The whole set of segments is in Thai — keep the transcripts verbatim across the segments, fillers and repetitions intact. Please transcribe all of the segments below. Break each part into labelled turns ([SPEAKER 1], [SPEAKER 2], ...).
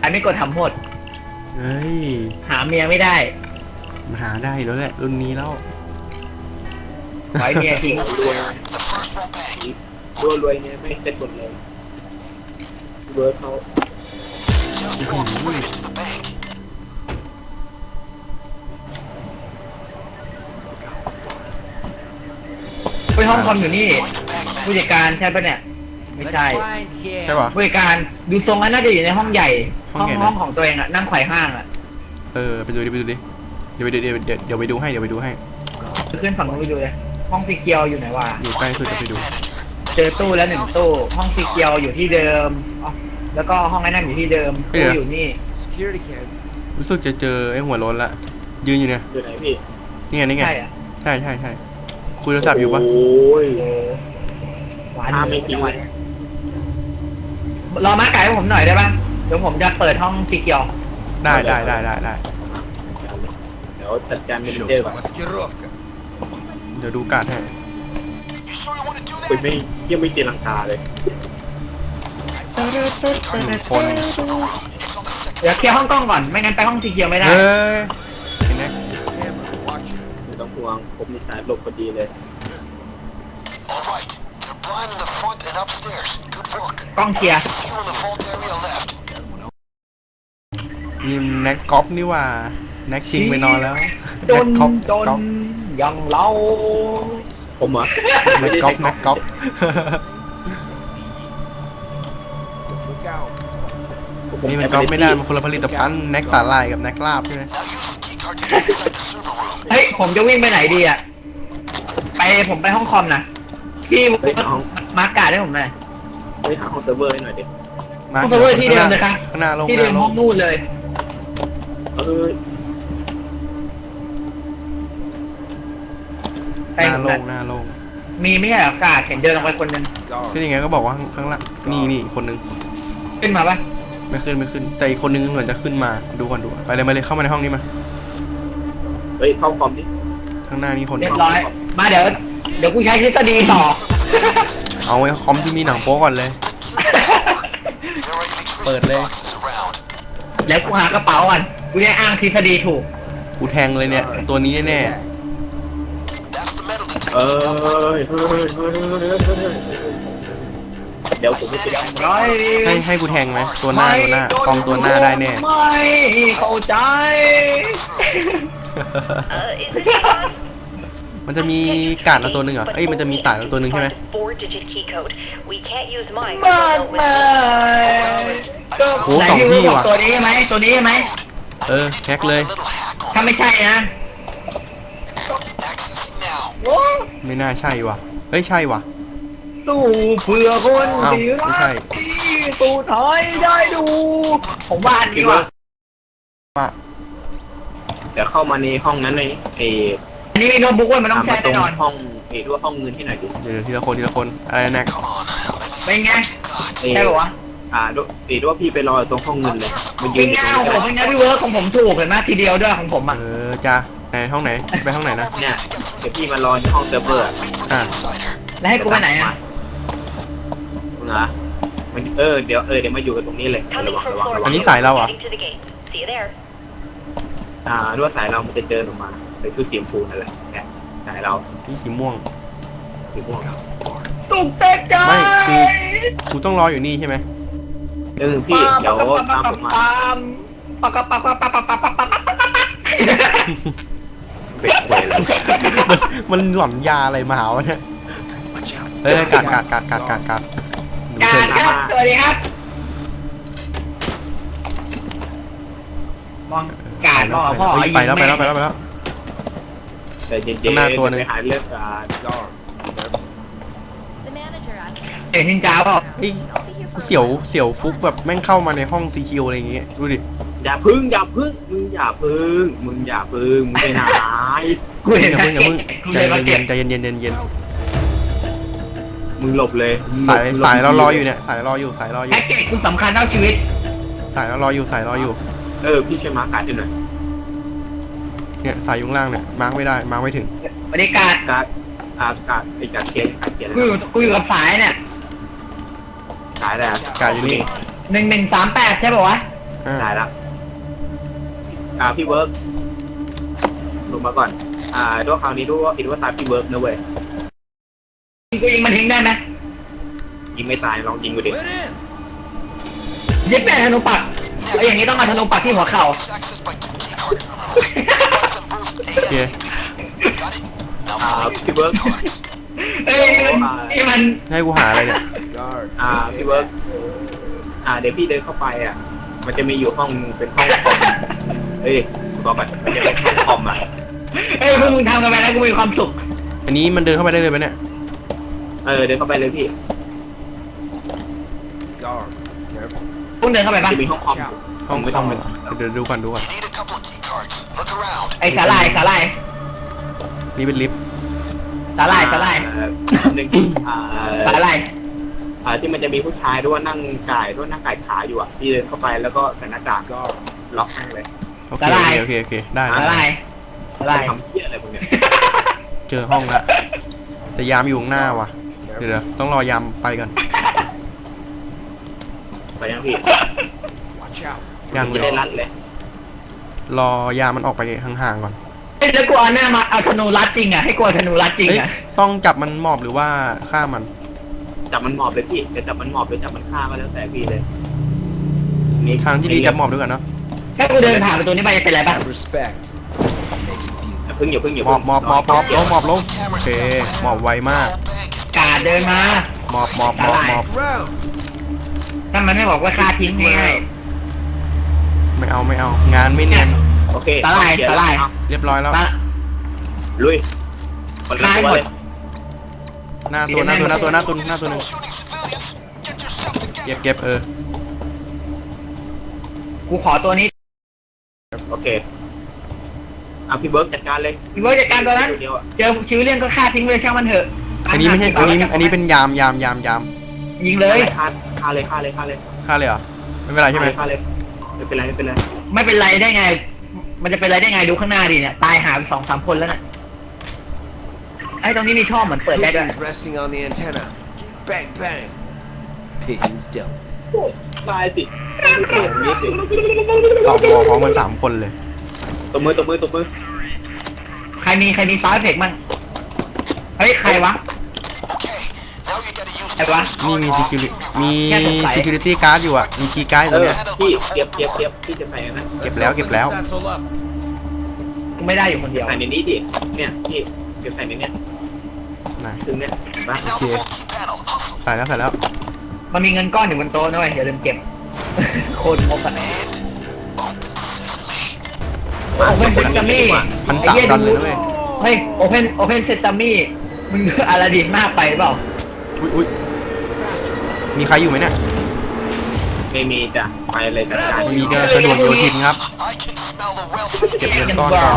[SPEAKER 1] อันไม่กดทำโทษ
[SPEAKER 2] เฮ้ย
[SPEAKER 1] หาเมียไม่ได้
[SPEAKER 2] หาได้แล้วแหละรุ่นนี้แล้ว
[SPEAKER 1] ไว้เมียทิ้ง
[SPEAKER 3] รวยรวยรวยเนี่ยไม่ได้กดเลยรวยเขา
[SPEAKER 1] ไปห้องคอมอยู่นี่ผู้จัดการใช่ปะเนี่ยไม่ใช่
[SPEAKER 2] ใช่ป่ะ
[SPEAKER 1] ผู้จัดการดูทรงแล้วน่าจะอยู่ในห้องใหญ่ห้องห้องของตัวเองอะนั่งไขว่ห้างอะ
[SPEAKER 2] เออไปดูดิไปดูดิเดี๋ยวไปเดี๋ยวเดี๋ยวเดี๋ยวไปดูให้เดี๋ยวไปดูให้
[SPEAKER 1] ขึ้นฝั่งนู้นไปดูเลยห้องสีเขียวอยู่ไหนวะ
[SPEAKER 2] อยู่ใกล้สุดจะไปดู
[SPEAKER 1] เจอตู้แล้วหนึ่งตู้ห้องสีเขียวอยู่ที่เดิมแล้วก็ห้องไอ้นั่นอยู่ที่เดิมตู้อยู่นี่
[SPEAKER 2] รู้สึกจะเจอไอ้หัวโล้นละยืนอยู่เนี่ย
[SPEAKER 3] อยู่ไหนพี่
[SPEAKER 2] นี่ไงนี่ไง
[SPEAKER 1] ใช่
[SPEAKER 2] ใช่ใช่ใช่คุยโทรศัพท์อยู่ปะ
[SPEAKER 3] โอ้ย
[SPEAKER 1] หวานไม่จริงวันรอมาไก่ให้ผมหน่อยได้ปะเดี๋ยวผมจะเปิดห้องสีเขียว
[SPEAKER 2] ได้ได้ได้ได้ได้
[SPEAKER 3] เดี๋ยวจัดการเมนเจอร์ก่อน
[SPEAKER 2] เดี๋ยวดูการ์ดให้
[SPEAKER 3] คุยไม่ยังไม่เจรังกาเลย
[SPEAKER 2] คน
[SPEAKER 1] เดี๋ยวเคลียร์ห้องกล้องก่อนไม่งั้นไปห้องสีเขียวไม่ได้
[SPEAKER 2] เฮ้ยเห็นไหม
[SPEAKER 3] ไม่ต้องห่วงผมมีสายหลบพอดีเลย
[SPEAKER 1] กล้องเคลียร์
[SPEAKER 2] นี่แน็กก๊อฟนี่ว่าแน็กจริงไปนอนแล้ว
[SPEAKER 1] โดนโดนยังเล่า
[SPEAKER 3] ผมเหรอ
[SPEAKER 2] แน็กก๊อฟแน็กก๊อฟนี่มันก๊อฟไม่ได้มันคนละผลิตภัณฑ์แน็กสาหร่ายกับแน็กลาบใช่ไหม
[SPEAKER 1] เฮ้ยผมจะวิ่งไปไหนดีอ่ะไปผมไปห้องคอมนะพี่มาร์กการ์ดให้ผมหน่อย
[SPEAKER 3] ไปหาห้องเซิร์ฟเวอร์ให้หน่อยดิ
[SPEAKER 1] ห้องเซิร์ฟเวอร์ที่เดิมเลยครับที่เดิมห้องนู่นเลย
[SPEAKER 3] เออ
[SPEAKER 2] หน้าลงหน้าลง
[SPEAKER 1] มีไม่ใช่อากาศเห็นเดินลงไปคนนึง
[SPEAKER 2] ที่ยังไงก็บอกว่าข้างล่างนี่นี่คนนึง
[SPEAKER 1] ขึ้นมาปะ
[SPEAKER 2] ไม่ขึ้นไม่ขึ้นแต่อีกคนนึงเหมือนจะขึ้นมาดูก่อนดูไปเลยมาเลยเข้ามาในห้องนี้มา
[SPEAKER 3] เฮ้ยเข้าคอมดิ
[SPEAKER 2] ข้างหน้านี่คน
[SPEAKER 1] เรียบร้อยมาเดี๋ยวเดี๋ยวกูใช้ทฤษฎีต่อ
[SPEAKER 2] เอาไว้คอมที่มีหนังโป๊ก่อนเลยเปิดเลย
[SPEAKER 1] แล้วกูหากระเป๋าก่อนกูได้อ้างทฤษฎีถูก
[SPEAKER 2] กูแทงเลยเนี่ยตัวนี้แน่
[SPEAKER 3] เออเดี๋ยวผมไม่ไป
[SPEAKER 2] ให้ให้กูแทงไหมตัวหน้าตัวหน้าคอมตัวหน้าได้แน่
[SPEAKER 1] ไม่เข้าใจ
[SPEAKER 2] มันจะมีการ์ดละตัวหนึ่งอ่ะเอ้ยมันจะมีสายละตัวหนึ่งใช่ไหม
[SPEAKER 1] บ้านมา
[SPEAKER 2] โอ้สองที่ว่ะ
[SPEAKER 1] ตัวนี้ไหมตัวนี้ไหม
[SPEAKER 2] เออแฮกเลย
[SPEAKER 1] ถ้าไม่ใช่นะ
[SPEAKER 2] ไม่น่าใช่ว่ะเฮ้ยใช่ว่ะ
[SPEAKER 1] สู้เพื่อคนที่รักที่สู้ถอยได้ดูผมบ้านดีกว่า
[SPEAKER 2] ว่า
[SPEAKER 3] เดี๋ยวเข้ามาในห้องนั้นเลยเอ
[SPEAKER 1] อันนี้มีโน้ตบุ๊กไว้มันต้องใช้แน่นอน
[SPEAKER 3] ห้องเอด้วยห้องเงินที่ไหนดิ
[SPEAKER 2] เดี๋ยวทีละคนทีละคนอะไรแน็ก
[SPEAKER 1] เป็นไงใช่หรอ
[SPEAKER 3] อ่าด้วยเอด้วยพี่ไปรอตรงห้องเงินเลย
[SPEAKER 1] มันยืนอยู่ตรงนี้เป็นไงพี่เวิร์กของผมถูกเห็นไหมทีเดียวด้วยของผมอ่ะ
[SPEAKER 2] เออจ้าไหนห้องไหนไปห้องไหนนะ
[SPEAKER 3] เนี่ยเดี๋ยวพี่มารอในห้องเซิร์ฟเวอร์
[SPEAKER 2] อ่า
[SPEAKER 1] แล้วให้กูไปไหนอ่ะ
[SPEAKER 3] นะมันเออเดี๋ยวเออเดี๋ยวมาอยู่กันตรงนี้เลยระวังระวังระวัง
[SPEAKER 2] อันนี้สายเราอ่ะ
[SPEAKER 3] อ่าด้วยสายเรามันจะเจอออกมาเป็นชุดสีชมพูนั่นแหละเนี่ยสายเรา
[SPEAKER 2] นี่สีม่วง
[SPEAKER 3] สีม่วง
[SPEAKER 1] ตุกเตะใจ
[SPEAKER 2] ไม่คือกูต้องรออยู่นี่ใช่ไหม
[SPEAKER 3] เออพี่เดี๋ยวตามผมมา
[SPEAKER 1] ปะปะปะปะปะปะปะปะปะปะ
[SPEAKER 2] มันหล่อนยาอะไรมาหาวะเนี่ยเฮ้ยกัดกัดกัดกัดกัดกัด
[SPEAKER 1] กัดครับสวัสดีครับมองกาดมองพ่อ
[SPEAKER 2] ไปแล้วไปแล้วไปแล้วไปแล้ว
[SPEAKER 3] แต่เย็นๆหน้าตัวนึงไปหาเลือดอ่า
[SPEAKER 1] เอ็นนินจาเปล่า
[SPEAKER 2] เสียวเสียวฟุกแบบแม่งเข้ามาในห้องซีคิวอะไรอย่างเงี้ยดูดิ
[SPEAKER 3] อย่าพึ่งอย่าพึ่งมึงอย่าพึ่งมึงอย่าพึ่งมึงไปไหน
[SPEAKER 1] กูเห็น
[SPEAKER 2] อย่าพึ่งอย่าพึ่งใจเย็นใจเย็นเย็นเย็นเย็น
[SPEAKER 3] มึงหลบเลย
[SPEAKER 2] สายสายเรารออยู่เนี่ยสายรออยู่สายรออยู่
[SPEAKER 1] แพ็กเกจคุณสำคัญเท่าชีวิต
[SPEAKER 2] สายเรารออยู่สายรออยู่
[SPEAKER 3] เออพี่ช่วยมาร์คการ์ดให้หน่อย
[SPEAKER 2] เนี่ยสายยุ่งล่างเนี่ยมาร์คไม่ได้มาร์คไม่ถึง
[SPEAKER 1] บรรยากาศ
[SPEAKER 3] การ์ดการ์ดการ์ดไอ้การ์ดเกียร์การ์ดเกียร์
[SPEAKER 1] กูอยู่กูอยู่กับสายเนี่ย
[SPEAKER 3] สายอะไร
[SPEAKER 2] การ์ดอยู่นี่
[SPEAKER 1] หนึ่งหนึ่งสามแปดใช่ป่าววะ
[SPEAKER 2] อ่า
[SPEAKER 3] ได้แล้วอ่าพี่เวิร์กลงมาก่อนอ่าด้วยคราวนี้ด้วยว่าคิดว่าตามพี่เวิร์กนะเว้ย
[SPEAKER 1] กูยิงมันทิ้งได้ไหม
[SPEAKER 3] ยิงไม่ตายลองยิงดูดิ
[SPEAKER 1] ยึดแม่ธนูปักไอ้อย่างนี้ต้องมาธนูปักที่หัวเข่า
[SPEAKER 2] โอเค
[SPEAKER 3] อ่าพี่เวิร์ก
[SPEAKER 1] เอ้ยนี่มัน
[SPEAKER 2] ให้กูหาอะไรเนี่ย
[SPEAKER 3] อ่าพี่เวิร์กอ่าเดี๋ยวพี่เดินเข้าไปอ่ะมันจะมีอยู่ห้องเป็นห้องคอมเฮ้ยบอกก่อนมันจะเป็นห้องคอมอ่ะ
[SPEAKER 1] เอ้ยพวกมึงทำกันไปแล้วกูมีความสุข
[SPEAKER 2] อันนี้มันเดินเข้าไปได้เลยไหมเนี่ย
[SPEAKER 3] เออเดินเข้าไปเลยพี่
[SPEAKER 1] พวกเดินเข้าไปปะ
[SPEAKER 3] จะมีห้องคอม
[SPEAKER 2] ห้อง
[SPEAKER 3] ไม่
[SPEAKER 2] ค
[SPEAKER 3] ต้
[SPEAKER 2] อ
[SPEAKER 3] อง
[SPEAKER 2] ม
[SPEAKER 3] ไป
[SPEAKER 2] เดี๋ยวดูก่อนดูก่อน
[SPEAKER 1] ไอ้สาลายสาลาย
[SPEAKER 2] นี่เป็นลิฟต์
[SPEAKER 1] สาลายสาลาย
[SPEAKER 3] อ่าหนึ่งอ่า
[SPEAKER 1] สาลาย
[SPEAKER 3] อ่าที่มันจะมีผู้ชายด้วยนั่งก่ายด้วยนั่งก่ายขาอยู่อ่ะที่เดินเข้าไปแล้วก็ใส่หน้ากากล็อกนั่งเลย
[SPEAKER 2] โอเคโอเคโอเคได้
[SPEAKER 1] สา
[SPEAKER 2] ได้
[SPEAKER 1] ลายสาลาย
[SPEAKER 3] ทำเพี้ยอะไรพวกเนี้ย
[SPEAKER 2] เจอห้องละแต่ยามอยู่ข้างหน้าว่ะเดี๋ยวเดี๋ยวต้องรอยามไปก่อน
[SPEAKER 3] ไปยังพี่
[SPEAKER 2] ยังเล
[SPEAKER 3] ไม่
[SPEAKER 2] ย
[SPEAKER 3] ได้รัดเลย
[SPEAKER 2] รอยามมันออกไปห่างๆก่อน
[SPEAKER 1] เอ้ยแล้วกูเอาหน้ามาเอาธนูรัดจริงอ่ะให้กูเอาธนูรัดจริง
[SPEAKER 2] เอ้ย
[SPEAKER 1] อ่ะ
[SPEAKER 2] ต้องจับมันหมอบหรือว่าฆ่ามัน
[SPEAKER 3] จับมันหมอบเลยพี่จะจับมันหมอบหรือจับมันฆ่าก็แล้วแต่พี่เลยนี่
[SPEAKER 2] ทางที่ดีจับหมอบด้วยกันเนาะ
[SPEAKER 1] ถ้ากูเดินผ่านประตูนี้ไปจะเป็นไรปะ
[SPEAKER 4] Respect.
[SPEAKER 3] อย่าเพิ่งอย่าเพิ่งอย่า
[SPEAKER 2] หมอ
[SPEAKER 3] เพิ่
[SPEAKER 2] บ
[SPEAKER 3] ง
[SPEAKER 2] หมอบหมอบหมอบลงหมอบลงโอเคหมอบไวมาก
[SPEAKER 1] กาดเดินมา
[SPEAKER 2] หมอบหมอบหมอบหมอบ
[SPEAKER 4] Round.
[SPEAKER 1] ถ้ามันไม่บอกว่าฆ่าทิ้งง่าย
[SPEAKER 2] ไม่เอาไม่เอา งานไม่เนียน
[SPEAKER 3] โอเค
[SPEAKER 1] สาลาย
[SPEAKER 3] เดี๋ว
[SPEAKER 1] สาลาย
[SPEAKER 3] เอ
[SPEAKER 2] เรียบร้อยแล้ว
[SPEAKER 1] ๆตา
[SPEAKER 3] ลุยคนละ
[SPEAKER 1] ตาย
[SPEAKER 3] ตัว
[SPEAKER 1] หมด
[SPEAKER 3] เลย
[SPEAKER 2] หน้าตัวหน้าตัวหน้าตัวหน้าตัวหน้าตัวหนึ่งเก็บเก็บเออ
[SPEAKER 1] กูขอตัวนี้
[SPEAKER 3] โอเคเอาพี่เบิร์กจัดการเลย
[SPEAKER 1] พี่เบิร์ดจัดการตัวนั้น
[SPEAKER 3] เดียวอะ
[SPEAKER 1] เจอชีวิตเรื่องก็ฆ่าทิ้งไปเลยช่างมันเถอะ
[SPEAKER 2] อันนี้ไม่ใช่อันนี้อันนี้เป็นยามยามยามยาม
[SPEAKER 1] ยิงเลย
[SPEAKER 3] ฆ่าฆ่าเลยฆ่าเลยฆ่าเลย
[SPEAKER 2] ฆ่าเลยเหรอไม่เป็นไรใช่ไหม
[SPEAKER 3] ฆ่าเลยไม่เป็นไรไม่เป็นไร
[SPEAKER 1] ไม่เป็นไรได้ไง มันจะเป็นไรได้ไงดูข้างหน้าดิเนี่ยตายหาไปสองสามคนแล้วน่ะไอ้ตรงนี้มีช่องเหมือนเปิดได้ด้วย
[SPEAKER 4] Pigeons resting on the antenna. Bang bang. Pigeons dealt.
[SPEAKER 3] ตายสิไม่เกิดอย่างนี้สิ
[SPEAKER 2] ตอบวอพร้อมกันสามคนเลย
[SPEAKER 3] ตบมือตบมือตบมือ
[SPEAKER 1] ใครมีใครมีซาวด์เอฟเฟกต์มั่งเฮ้ยใครวะใครวะ
[SPEAKER 2] นี่มี security มี
[SPEAKER 1] แค่สงสัย
[SPEAKER 2] security guard อยู่อ่ะมีคีย์การ์ดอ
[SPEAKER 3] เอยู่ อ
[SPEAKER 2] เนี่ย
[SPEAKER 3] พี่เก็บเก็บเก็บพี่จะใส่นะ
[SPEAKER 2] เก็บแล้วเก็บแล้ว
[SPEAKER 4] Satchel up.
[SPEAKER 1] กูไม่ได้อยู่คนเดียว
[SPEAKER 3] ใส่ในนี้ดิเนี่ยพี่เก็บใส่ในเนี้ย
[SPEAKER 2] ไหน
[SPEAKER 3] ถึงเนี้ยเห็นปะ
[SPEAKER 2] โอเคใส่แล้วใส่แล้ว
[SPEAKER 1] มันมีเงินก้อนอยู่บนโต๊ะด้วยอย่าลืมเก็บ โคตรงกอ่ะโอเพนเซซามี่
[SPEAKER 2] พันสามดอลเลยนะเว้ย
[SPEAKER 1] เฮ้ยโอเพนโอเพนเซซามี่มึงอาลาดินมากไปเปล่า
[SPEAKER 2] อุ้ยอุ้ยมีใครอยู่ไหมเนี่ย
[SPEAKER 3] ไม่มีจ้ะไปเลยจัดการ
[SPEAKER 2] ไม่มีก็สะดวกโยทินครับ เก็บเงินก้อนก่อน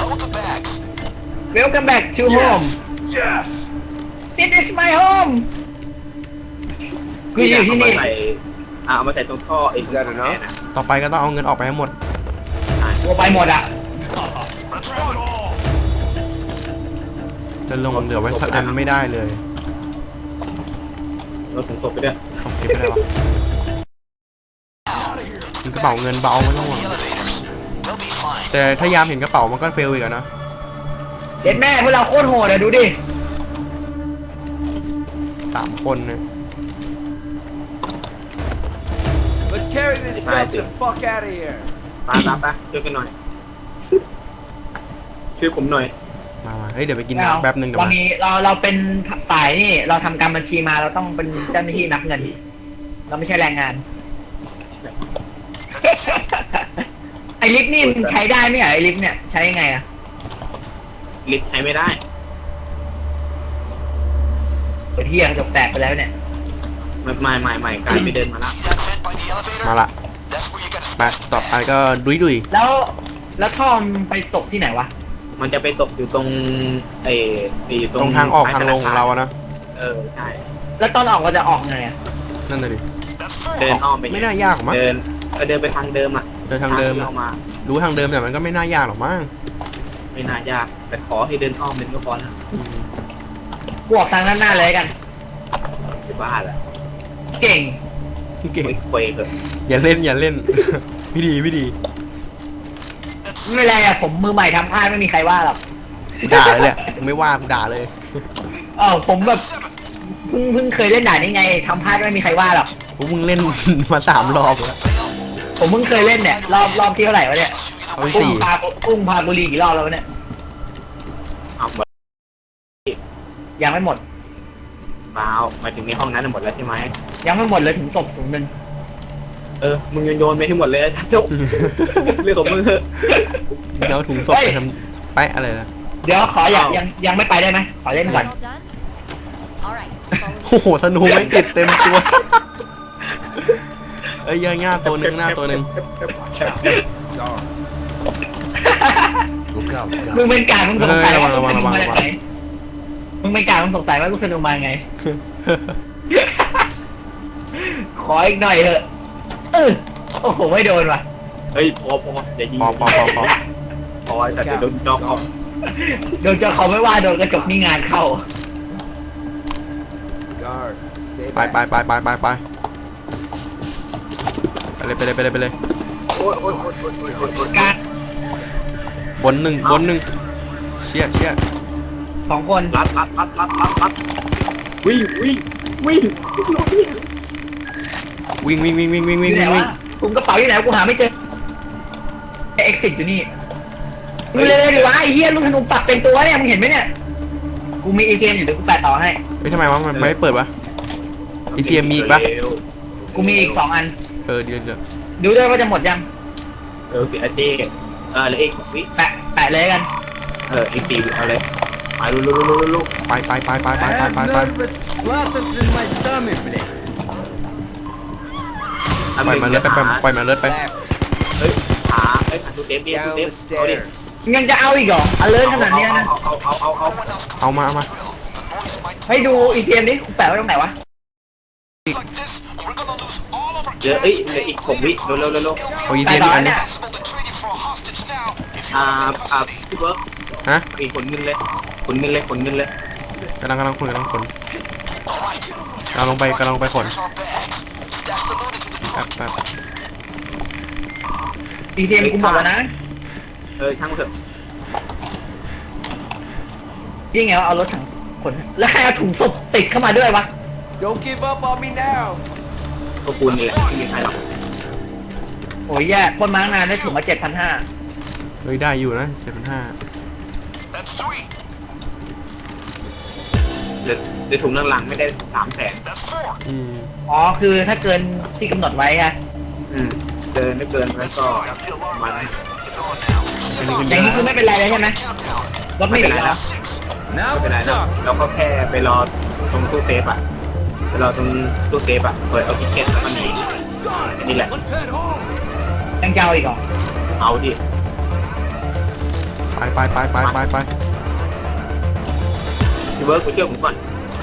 [SPEAKER 1] Welcome back to home
[SPEAKER 4] Yes.
[SPEAKER 1] This is my home กูอยู่ที่นี่
[SPEAKER 3] เอามาใส่อ่ะเอามาใส่ตรงท่อไอ้
[SPEAKER 4] Is that enough?
[SPEAKER 2] ต่อไปก็ต้องเอาเงินออกไปให้หมด
[SPEAKER 1] กูไปหมดอ่ะ
[SPEAKER 2] จะลงเหลือไว้สักอันไม่ได้เลย
[SPEAKER 3] เราถุงศพไปด้วย
[SPEAKER 2] ต้องเก็บไม่ได้วะมีกระเป๋าเงินเบาไม่ต้องห่วงแต่ถ้ายามเห็นกระเป๋ามันก็เฟลอีกอะนะ
[SPEAKER 1] เด็ดแม่พวกเราโคตรโหดอ่ะดูดิ
[SPEAKER 2] สามคนเนี่ย
[SPEAKER 4] Let's carry this stuff the fuck out of here.
[SPEAKER 3] ไปไปไปช่วยกันหน่อยช่วยผมหน่อย
[SPEAKER 2] มามาเฮ้ยเดี๋ยวไปกินน้ำแป๊บนึงเดี๋ยว
[SPEAKER 1] เรา
[SPEAKER 2] มา
[SPEAKER 1] มีเราเราเป็นฝ่ายนี่เราทำการบัญชีมาเราต้องเป็นเจ้าหน้าที่นับเงิน เราไม่ใช่แรงงาน ไอลิฟต์นี่มันใช้ได้ไหมอ่ะไอลิฟต์เนี่ยใช้ยังไงอ่ะ
[SPEAKER 3] ลิฟต์ใช้ไม่ได้
[SPEAKER 1] เปิดเที่ยงจบแตกไปแล้วเนี่ย
[SPEAKER 3] ไม่ไม่ไม่ไม่กลายไปเดินมาละ
[SPEAKER 2] มาละไปต่อไปก็ดุยดุย
[SPEAKER 1] แล้วแล้วท่อมนไปตกที่ไหนวะ
[SPEAKER 3] มันจะไปตกอยู่ตรงไอ้ไอ้
[SPEAKER 2] ตรงทางออกทางลงของเราอะนะ
[SPEAKER 3] เออใช่
[SPEAKER 1] แล้วตอนออกเราจะออกไงอ่ะ
[SPEAKER 2] นั่นเลยดิ
[SPEAKER 3] เดินอ้อมไป
[SPEAKER 2] ไม่น่ายากหรอกมั้ง
[SPEAKER 3] เดินก็เดินไปทางเดิมอ่ะ
[SPEAKER 2] เดินทางเดิม
[SPEAKER 3] ที่เรามา
[SPEAKER 2] รู้ทางเดิมแต่มันก็ไม่น่ายากหรอกมั้ง
[SPEAKER 3] ไม่น่ายาก แต่ขอให้เดินอ้อมเป็นก็พอแล้ว
[SPEAKER 2] อืม
[SPEAKER 1] กูออกทางด้านหน้าเลยกัน
[SPEAKER 3] จะบ้าแหละ
[SPEAKER 1] เก่ง
[SPEAKER 2] เก่ง
[SPEAKER 3] คุยคุยเถอะ
[SPEAKER 2] อย่าเล่นอย่าเล่นพี่ดีพี่ดี
[SPEAKER 1] ไม่เป็นไรอะผมมือใหม่ทำพลาดไม่มีใครว่าหรอก
[SPEAKER 2] กูด่าเลยแหละกูไม่ว่ากูด่าเลย
[SPEAKER 1] เออผมแบบเพิ่งเพิ่งเคยเล่นด่านนี้ไงทำพลาดไม่มีใครว่าหรอก
[SPEAKER 2] พวกมึงเล่น มาสามรอบแล้ว
[SPEAKER 1] ผมเพิ่งเคยเล่นเนี่ยรอบรอบที่เท่าไหร่วะเนี่ย
[SPEAKER 2] เอาไป
[SPEAKER 1] กุ้ง
[SPEAKER 2] สี่
[SPEAKER 1] พากุ้งพาบุรีกี่รอบแล้ววะเนี่ย
[SPEAKER 3] เอาหมด
[SPEAKER 1] ยังไม่หมด
[SPEAKER 3] เปล่าหมายถึงในห้องนั้นหมดแล้วใช่ไหม
[SPEAKER 1] ยังไม่หมดเลยถึงศพถุงหนึ่ง
[SPEAKER 3] เออมึงโยนโยนไปให้หมดเลยจ้าจุ๊บเรื่องของมึงเถอะ
[SPEAKER 2] เดี๋ยวถุงศพไปทำแปะอะไรนะ
[SPEAKER 1] เดี๋ยวขออยากยังยังไม่ไปได้ไหมขอเล่นก่อน
[SPEAKER 5] All done? All right. follow
[SPEAKER 2] โอ้โหธนูไม่ติดเต็มตัว เอ้ยยังหน้าตัวหนึ่งหน้าตัวหนึ่ง
[SPEAKER 4] Guard. Look out,
[SPEAKER 1] มึง
[SPEAKER 4] guard.
[SPEAKER 1] เป็นกาดมึงสงสัยว่า
[SPEAKER 2] ระ
[SPEAKER 1] ลูก
[SPEAKER 2] วั
[SPEAKER 1] ธ
[SPEAKER 2] ง
[SPEAKER 1] นู
[SPEAKER 2] ระวัง
[SPEAKER 1] มา
[SPEAKER 2] ระ
[SPEAKER 1] จาก
[SPEAKER 2] วัง
[SPEAKER 1] ไหนมึงเป็นกาดมึงสงสัยว่าลูกธนูมาไง ขออีกหน่อยเถอะเออโอ้โหไม่โดนว่ะ
[SPEAKER 3] เฮ้ยพอพออย่ายิง
[SPEAKER 2] พอพอพอพอ
[SPEAKER 3] พอแต่จะโดนจอกเอา
[SPEAKER 1] โดนเจ้าเขาไม่ว่าโดนกระจกนี่งานเข้า
[SPEAKER 4] Guard. Stay
[SPEAKER 2] ไป
[SPEAKER 4] back.
[SPEAKER 2] ไปไปไปไปไปไปเลยไปเลยไปเลยไปเลย
[SPEAKER 3] โอ้ยโอ้ยโอ้ยโอ้ยโอ้ยโอ้ยโอ้ย
[SPEAKER 1] กาด
[SPEAKER 2] บนหนึ่งบนหนึ่งเชี่ยเชี่ย
[SPEAKER 1] สองคน
[SPEAKER 3] รัดรัดรัดรัดรัดรัดวิ่งวิ่งวิ่ง
[SPEAKER 2] วิ่งวิ่งวิ่งวิ่งวิ่ง
[SPEAKER 1] อ
[SPEAKER 2] วิ่ง
[SPEAKER 1] ยู่ไหน
[SPEAKER 2] วิ่ง
[SPEAKER 1] วะกุมกระเป๋าอยู่ไหนกูหาไม่เจอเอ็กซิสอยู่นี่มึงเลยดิวะไอ้เหี้ยลูกธนูปักเป็นตัวเนี่ยมึงเห็นไหมเนี่ยกูมีเอเกมอยู่เดี๋ยวกูแปะต่อให้
[SPEAKER 2] เฮ้ยทำไมวะมันไม่เปิดวะ อี ที เอ็ม มีอีกปะ
[SPEAKER 1] กูมีอีกสองอัน
[SPEAKER 2] เออเดี๋ยวเดี๋ยว
[SPEAKER 1] ดูด้วยว่าจะหมดยัง
[SPEAKER 3] เออสิอาเจเออแล้วเอกวิ
[SPEAKER 1] แปะแปะเลยกัน
[SPEAKER 3] เออเอกตีเอาเลยไปลุลุลุลุลุ
[SPEAKER 2] ไปไปไปไปไป
[SPEAKER 4] I
[SPEAKER 2] ไป
[SPEAKER 4] have
[SPEAKER 2] ไปไป
[SPEAKER 4] nervous flutters in my stomach, blade.
[SPEAKER 2] ปล่อยมันเลิศไปไปปล่อยมันเลิศไป
[SPEAKER 4] Left.
[SPEAKER 3] เฮ้ยขาเฮ้ยขาตูเดฟดิตู
[SPEAKER 4] Down
[SPEAKER 3] เดฟ
[SPEAKER 4] the
[SPEAKER 3] เอาดิ
[SPEAKER 4] stairs.
[SPEAKER 1] ยังจะเอาอีกเหรออเลิร์ขนาดเนี้ยนะ
[SPEAKER 3] เอาเอาเอาเอา
[SPEAKER 2] เอามาเอามา
[SPEAKER 1] ให้ดูอีเกมนี้กูแปะไว้ตรงไหนวะ
[SPEAKER 3] เดี๋ยวเอ้ยเหลืออีกหกวิเร็วเร็วเร็วเร็ว
[SPEAKER 2] เอาอี
[SPEAKER 1] แปะ
[SPEAKER 2] ที
[SPEAKER 1] ต่อ
[SPEAKER 2] อันนึ
[SPEAKER 1] เนี่
[SPEAKER 2] ง
[SPEAKER 1] ย
[SPEAKER 3] อ่าอ่าพี่เบิร์ก
[SPEAKER 2] ฮะ
[SPEAKER 3] มีขนเงินเลยขนเงินเลยขนเงินเลย
[SPEAKER 2] กำลังกำลังขนกำลังขนกำลังลงไปกำลังลงไปขนแป๊บแป๊บ
[SPEAKER 1] อีเกมกูหมดแล้วนะ
[SPEAKER 3] เออช่างเถอะ
[SPEAKER 1] ยิ่งไงวะเอารถถังขนแล้วใครเอาถุงศพติดเข้ามาด้วยวะ
[SPEAKER 4] Don't give up on me now.
[SPEAKER 3] ก็ปูนนี่แหละไม่มีใครหรอก
[SPEAKER 1] โอ้ยแย่ปล้นมาตั้งนานได้ถุงมาเจ็ดพันห้า
[SPEAKER 2] เฮ้ยได้อยู่นะเจ็ดพันห้า
[SPEAKER 3] เหลือเหลือถุงหลังๆไม่ได้สามแสน
[SPEAKER 2] อืม
[SPEAKER 1] อ๋อคือถ้าเกินที่กำหนดไว้อะ
[SPEAKER 3] อืมเกินไม่เกินแล้วก็มัน
[SPEAKER 2] อันนี้ก็
[SPEAKER 1] อ
[SPEAKER 2] เย
[SPEAKER 1] ย่างนี้
[SPEAKER 2] อะ
[SPEAKER 1] คือไม่เป็นไรแล้วใช่ไหมรถไม่ติดแล้ว
[SPEAKER 4] Now
[SPEAKER 3] ไม่เป็นไร
[SPEAKER 4] we're
[SPEAKER 3] แล้ว
[SPEAKER 4] talking.
[SPEAKER 3] เราก็แค่ไปรอตรงตู้เซฟอ่ะไปรอตรงตู้เซฟอ่ะเปิดเอาทิเก็ตแล้วก็หนีอันนี้แหละ
[SPEAKER 4] Let's head home.
[SPEAKER 1] ยังจะเอาอีกเหรอ
[SPEAKER 3] เอาดิ
[SPEAKER 2] ไปไปไปไปไปไป
[SPEAKER 3] พี่เบิร์กไปเชื่อผมก่อน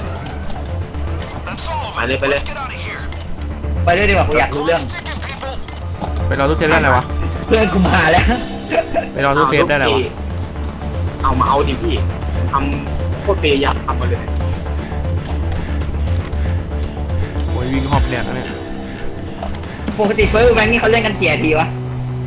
[SPEAKER 3] ไปเลยไปเลย
[SPEAKER 1] ไปด้วยดีกว่ากูอยากรู้เรื่อง
[SPEAKER 2] ไปรอตู้เซฟได้อะไรวะ
[SPEAKER 1] เพื่อนกูมาแล้ว
[SPEAKER 2] ไปรอตู้เซฟได้อะไรวะ
[SPEAKER 3] เอามาเอาดิพี่ทำโคตรพยายามทำมาเลย
[SPEAKER 2] โอ้ยวิ่งหอบแดดแล้วเนี่ย
[SPEAKER 1] ปกติเฟิร์สแบงค์นี่เขาเล่นกันกี่นาทีวะ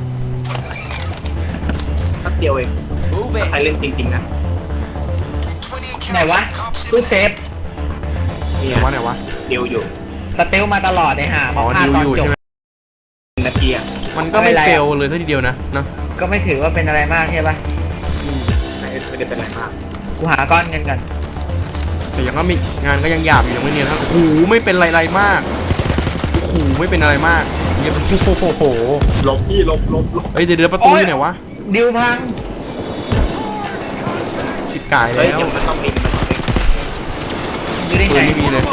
[SPEAKER 3] แป๊บเดียวเอง
[SPEAKER 4] Move
[SPEAKER 3] ถ้าใคร
[SPEAKER 4] it.
[SPEAKER 3] เล่นจริงๆนะ
[SPEAKER 1] ไหนวะตู้เซฟ
[SPEAKER 3] เนี่
[SPEAKER 2] ไห
[SPEAKER 3] ย
[SPEAKER 2] นวะไหนวะ
[SPEAKER 3] เดียวอยู่
[SPEAKER 1] สเตลมาตลอดเลยฮะ
[SPEAKER 2] อ๋
[SPEAKER 1] มา
[SPEAKER 2] อ
[SPEAKER 1] พลาด
[SPEAKER 2] ดิว
[SPEAKER 1] ตอน
[SPEAKER 2] อยู่
[SPEAKER 1] จบ
[SPEAKER 2] ใช่ไหม
[SPEAKER 3] นาทีอ่ะ
[SPEAKER 2] มันก็ไม่เฟลเลยซะทีเดียวนะเนาะ
[SPEAKER 1] ก็ไม่ถือว่าเป็นอะไรมากใช่ปะ
[SPEAKER 3] ไม่ไม่ได้เป็นไรมาก
[SPEAKER 1] กูหาก้อนเงินกัน
[SPEAKER 2] แต่ยังก็มีงานก็ยังหยาบอยู่ยังไม่เนียนครับโอ้โหไม่เป็นไรๆมากโอ้โหไม่เป็นอะไรมากเยังโอ้โห
[SPEAKER 3] ลบพี่ลบลบลบ
[SPEAKER 2] เฮ้ยเดี๋ยวเดี๋ยวประตูอยู่ไหนวะ
[SPEAKER 1] ดิวพัง
[SPEAKER 2] สิบกาย
[SPEAKER 3] เฮ้ย
[SPEAKER 2] แล้ว
[SPEAKER 3] เดี๋ยวมันต้องมีมันต้องมี
[SPEAKER 1] ดูได้
[SPEAKER 2] ปื
[SPEAKER 1] ไง
[SPEAKER 2] นไม่มีเลย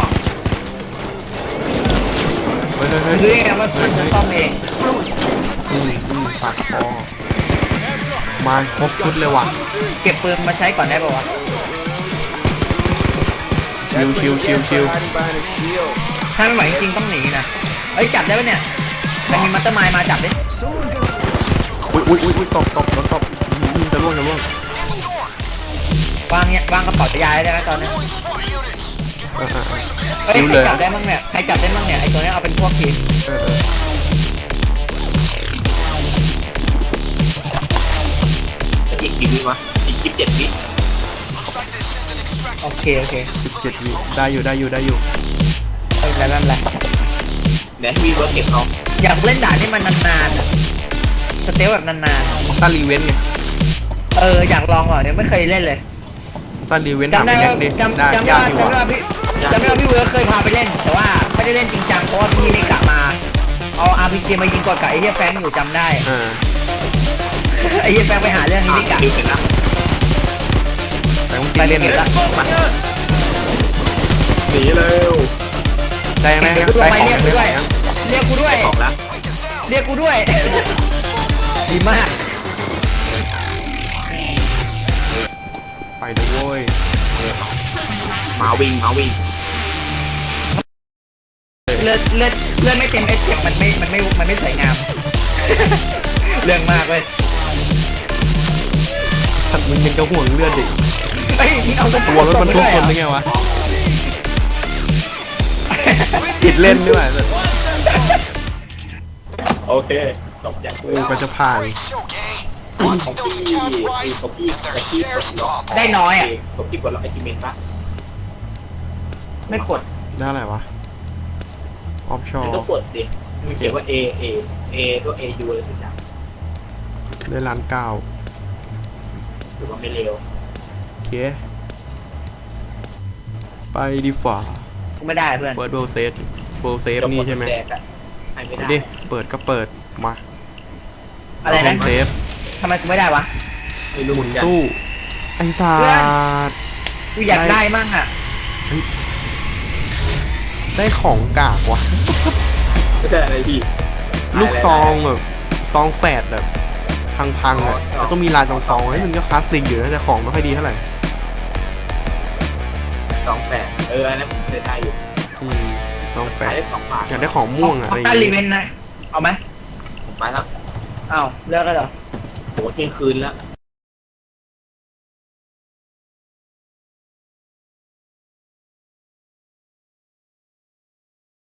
[SPEAKER 2] เฮ้ยเฮ้ยเฮ้ย
[SPEAKER 1] ดูได้ไงว่ามันจะซ่อมเอง
[SPEAKER 2] อืมอืมปากคอมาครบชุดเลยว่ะ
[SPEAKER 1] เก็บปืนมาใช้ก่อนได้ป่าวะ
[SPEAKER 2] ชิวชิวชิวชิว
[SPEAKER 4] Hiding behind a shield.
[SPEAKER 1] ถ้าไม่ไหวจริงๆต้องหนีนะเอ้ยจับได้ปะเนี่ยแต่มีมัตเตอร์มายมาจับดิ
[SPEAKER 2] อุ้ยอุ้ยอุ้ยอุ้ยตบตบโดนตบอืมอืมจะล่วงจะล่วง
[SPEAKER 1] วางเนี่ยวางกระเป๋ายาได้ไหมตอนนี้
[SPEAKER 2] เออเออเออ
[SPEAKER 1] เฮ้ย
[SPEAKER 2] นิ้ว
[SPEAKER 1] ใค
[SPEAKER 2] เล
[SPEAKER 1] ร
[SPEAKER 2] ย
[SPEAKER 1] จับได้มั่งเนี่ยใครจับได้มั่งเนี่ยไอตัวนี้เอาเป็นพวกทีม
[SPEAKER 2] เออเออ
[SPEAKER 3] วะอีกยี่สิบเจ็ดวิ
[SPEAKER 1] โอเคโอเค
[SPEAKER 2] สิบเจ็ดวิได้อยู่ได้อยู่ได้อยู่
[SPEAKER 1] ไม่เป็นไรไม่เป็นไร
[SPEAKER 3] เดี๋ยวให้พี่เวิร์กเก็บเขา
[SPEAKER 1] อยากเล่นด่านที่มันนานๆอะสเตลแบบนาน
[SPEAKER 2] ต้านรีเวนต์ไง
[SPEAKER 1] ๆเอออยากลองก่อนเนี่ยไม่เคยเล่นเลย
[SPEAKER 2] ต้านรีเวนต์ถาม
[SPEAKER 1] จำได้
[SPEAKER 2] พี่แน็
[SPEAKER 1] ว่าก
[SPEAKER 2] ดิ
[SPEAKER 1] จำ
[SPEAKER 2] ได้
[SPEAKER 1] จำได้
[SPEAKER 2] ยาก
[SPEAKER 1] ว่า
[SPEAKER 2] ดี
[SPEAKER 1] จำได้
[SPEAKER 2] ว่ะ
[SPEAKER 1] ว่าพี่จำได้ว่าพี่เวิร์คเคยพาไปเล่น แต่ว่าไม่ได้เล่นจริงจังเพราะว่าพี่ไม่กลับมาเอาอาร์พีจีมายิงกดกับไอ้เหี้ยแฟงอยู่จำได้
[SPEAKER 2] อ่า
[SPEAKER 1] ไอ้เหี้ยแฟงไปหาเรื่องนี้ไม่กลับ
[SPEAKER 3] ดิวเสร็จแล้ว
[SPEAKER 2] แต่มึงติดเล่น
[SPEAKER 1] ไป
[SPEAKER 2] เลย
[SPEAKER 1] เก็บละ
[SPEAKER 3] หนีเร็ว
[SPEAKER 2] ได้ยังไงได้ของได้ของได้ของยัง
[SPEAKER 1] เรียกกูด้วย
[SPEAKER 3] ของแล้ว
[SPEAKER 1] เรียกกูด้วย ดีมาก
[SPEAKER 2] ไปเลยโว้ย
[SPEAKER 3] หมาวิ่งหมาวิ่ง
[SPEAKER 1] เลือดเลือดเลือดไม่เต็มเอสเจ็บมันไม่มันไม่มันไม่สวยงาม เรื่องมากเลย
[SPEAKER 2] สัตว์มึงยังจะห่วงเลือดดิ
[SPEAKER 1] เฮ้ยมึงเอากระ
[SPEAKER 2] ตัวรถบรรทุกคนได้ไงวะติดเล่นด้วยสัตว์
[SPEAKER 3] โอเคจบจากกู
[SPEAKER 2] กูก็จะผ่าน
[SPEAKER 3] ของพี่ของพี่แต่พี่กดล็อก
[SPEAKER 1] ได้น้อยอ่ะ
[SPEAKER 3] ของพี่กดล็อกไอทีเมนปะ
[SPEAKER 1] ไม่กด
[SPEAKER 2] ได้อะไรวะออฟชอ
[SPEAKER 3] มัน
[SPEAKER 2] ร์
[SPEAKER 3] ก็กดดิมันเขียนว่า A A A ตัว A U อะไรสักอย่าง
[SPEAKER 2] ได้ล้านเก้า
[SPEAKER 3] หรือว่าไม่เร็ว
[SPEAKER 2] โอเคไปดีฝ่า
[SPEAKER 1] กูไม่ได้เพื่อน
[SPEAKER 2] เปิดโบเซฟโบเซฟนี่ใช่ไหม
[SPEAKER 3] แดกอะให้ไม่ได้
[SPEAKER 2] ดิเปิดก็เปิดมา
[SPEAKER 1] อะไรนะ
[SPEAKER 2] เซฟ
[SPEAKER 1] ทำไมกูไม่ได้วะ
[SPEAKER 3] ไม่รู้เหมือนกัน
[SPEAKER 2] ตู้ไอ้สัตว์
[SPEAKER 1] กูอยากได้มั่งอ่ะ
[SPEAKER 2] ได้ของกากว่ะ
[SPEAKER 3] ไม่ใช่อะไรพี่
[SPEAKER 2] ลูกซองแบบซองแฝดแบบพังๆอ่ะแล้วก็มีลายตรงซองให้มันก็คลาสสิกอยู่นะแต่ของไม่ค่อยดีเท่าไหร่
[SPEAKER 3] สองแปดเอออันนั้นผมเคยได้อยู่
[SPEAKER 2] อืมซองแฝ
[SPEAKER 3] ขาย
[SPEAKER 2] ด
[SPEAKER 3] ได้สองบาท
[SPEAKER 2] อยากได้ของม่วงอะ
[SPEAKER 1] ข
[SPEAKER 2] อะไรอย่าง
[SPEAKER 1] ต้านรี
[SPEAKER 2] เงี้ย
[SPEAKER 1] เวนนะเอาไหม
[SPEAKER 3] ผมไปแล้ว
[SPEAKER 1] อ้าวเลิกแล้วเหรอ
[SPEAKER 3] โหเที่ยงคืนแล้ว